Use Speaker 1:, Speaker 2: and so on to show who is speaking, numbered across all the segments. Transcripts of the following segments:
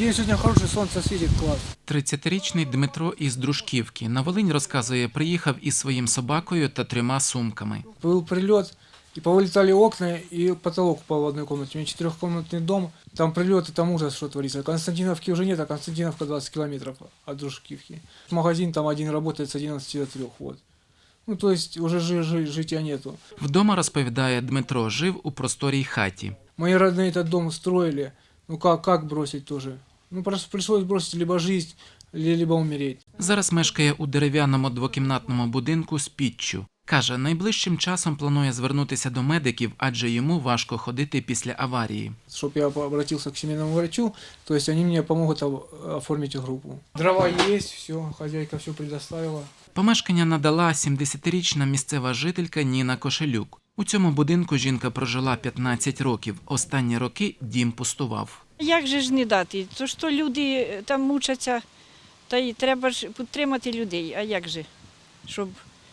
Speaker 1: День сегодня хороший, солнце светит, класс.
Speaker 2: 30-річний Дмитро із Дружківки на Волинь, розказує, приїхав із своїм собакою та 3 сумками.
Speaker 1: Был прилет, и повылетали окна, и потолок упал в одной комнате. У меня 4-комнатный дом, там прилеты, там ужас, что творится. Константиновки уже нет, а Константиновка 20 километров от Дружківки. Магазин там один работает с 11 до 3, вот. Ну, то есть уже жития нету.
Speaker 2: Вдома, розповідає Дмитро, жив у просторій хаті.
Speaker 1: Мои родные этот дом строили, ну как бросить тоже? Ну, просто пришлось бросить либо жизнь, либо умереть.
Speaker 2: Зараз мешкає у дерев'яному двокімнатному будинку з піччю. Каже, найближчим часом планує звернутися до медиків, адже йому важко ходити після аварії.
Speaker 1: Чтобы я обратился к семейному врачу, то есть они мне помогут оформить группу. Дрова есть, все, хозяйка все предоставила.
Speaker 2: Помешкання надала 70-річна місцева жителька Ніна Кошелюк. У цьому будинку жінка прожила 15 років. Останні роки дім пустував.
Speaker 3: Як же ж не дати? То що люди там мучаться, та й треба ж підтримати людей. А як же? Щоб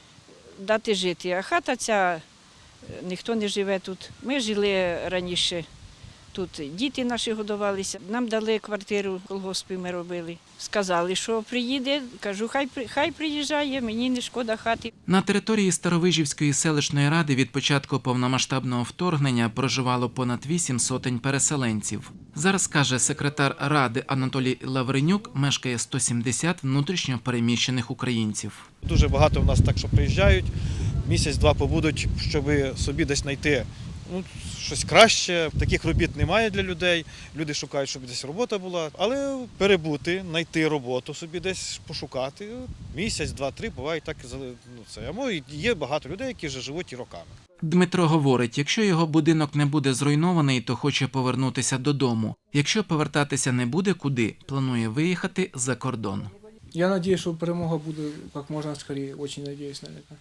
Speaker 3: дати жити. А хата ця, ніхто не живе тут. Ми жили раніше. Тут діти наші годувалися. Нам дали квартиру, колгоспи ми робили. Сказали, що приїде. Кажу, хай приїжджає, мені не шкода хати.
Speaker 2: На території Старовижівської селищної ради від початку повномасштабного вторгнення проживало понад 8 сотень переселенців. Зараз, каже секретар ради Анатолій Лавренюк, мешкає 170 внутрішньо переміщених українців.
Speaker 4: Дуже багато в нас так, що приїжджають, місяць-два побудуть, щоб собі десь знайти щось краще. Таких робіт немає для людей. Люди шукають, щоб десь робота була. Але перебути, знайти роботу собі десь пошукати. Місяць, два, три, буває так. А є багато людей, які вже живуть і роками.
Speaker 2: Дмитро говорить, якщо його будинок не буде зруйнований, то хоче повернутися додому. Якщо повертатися не буде куди, планує виїхати за кордон.
Speaker 1: Я надеюсь, что перемога будет как можно скорее, очень надеюсь на это.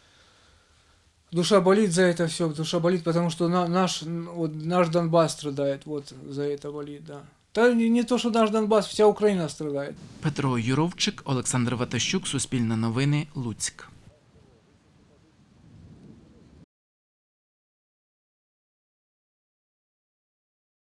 Speaker 1: Душа болит за это все, душа болит, потому что наш Донбасс страдает, вот за это болит, да. Да не то, что наш Донбасс, вся Украина страдает.
Speaker 2: Петро Юровчик, Олександр Ватащук, Суспільне новини, Луцьк.